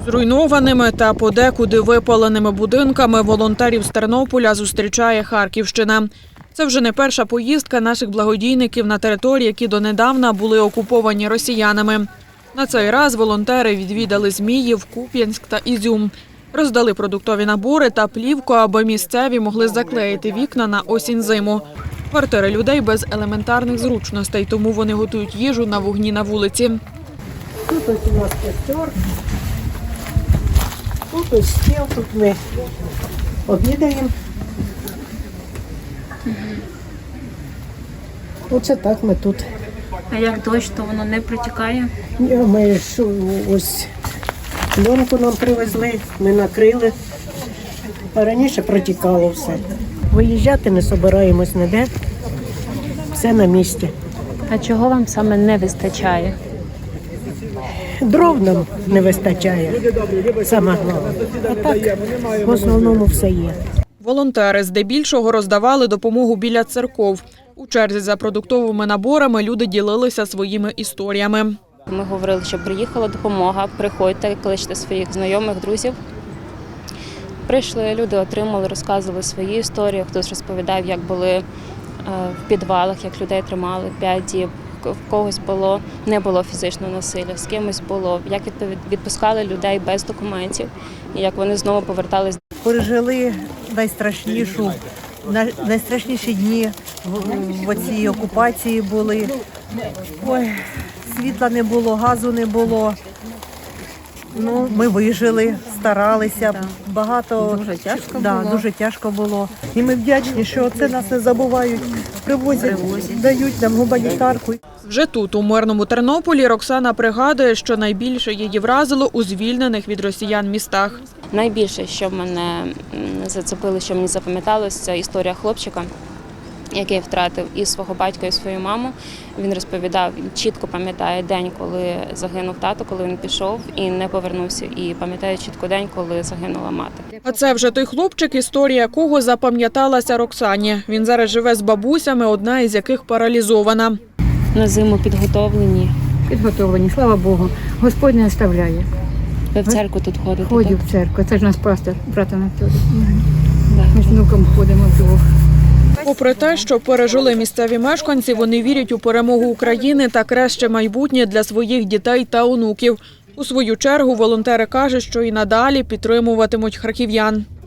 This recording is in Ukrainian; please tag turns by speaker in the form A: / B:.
A: Зруйнованими та подекуди випаленими будинками волонтерів з Тернополя зустрічає Харківщина. Це вже не перша поїздка наших благодійників на території, які донедавна були окуповані росіянами. На цей раз волонтери відвідали Зміїв, Куп'янськ та Ізюм. Роздали продуктові набори та плівку, аби місцеві могли заклеїти вікна на осінь-зиму. Квартири людей без елементарних зручностей, тому вони готують їжу на вогні на вулиці.
B: Тут ось у нас костер, тут ось стіл, тут ми обідаємо. Оце так ми тут.
C: А як дощ, то воно не протікає?
B: Ми ж ось пленку нам привезли, ми накрили, а раніше протікало все. Виїжджати не збираємось ніде, все на місці.
C: А чого вам саме не вистачає?
B: Дров нам не вистачає, саме головне. А так, в основному все є.
A: Волонтери здебільшого роздавали допомогу біля церков. У черзі за продуктовими наборами люди ділилися своїми історіями.
C: Ми говорили, що приїхала допомога, приходьте, кличте своїх знайомих, друзів. Прийшли, люди отримали, розказували свої історії. Хтось розповідав, як були в підвалах, як людей тримали 5 діб. В когось не було фізичного насилля, з кимось було, як відпускали людей без документів і як вони знову повертались.
D: Пережили найстрашніші дні в цій окупації були. Ой, світла не було, газу не було. Ну, ми вижили, старалися. Багато дуже тяжко було. І ми вдячні, що це нас не забувають, привозять, дають нам гуманітарку.
A: Вже тут, у мирному Тернополі, Роксана пригадує, що найбільше її вразило у звільнених від росіян містах.
C: Найбільше, що мене зацепило, що мені запам'яталось, це історія хлопчика, який втратив і свого батька, і свою маму. Він розповідав, чітко пам'ятає день, коли загинув тато, коли він пішов і не повернувся. І пам'ятає чітко день, коли загинула мати.
A: А це вже той хлопчик, історія якого запам'яталася Роксані. Він зараз живе з бабусями, одна із яких паралізована.
C: На зиму підготовлені.
E: Підготовлені, слава Богу. Господь не оставляє.
C: Ви в церкву тут ходите?
E: Ходю
C: так?
E: в церкву. Це ж наш пастор, брат Анатолій. Ми з внуком ходимо вдвох.
A: Попри те, що пережили місцеві мешканці, вони вірять у перемогу України та краще майбутнє для своїх дітей та онуків. У свою чергу волонтери кажуть, що і надалі підтримуватимуть харків'ян.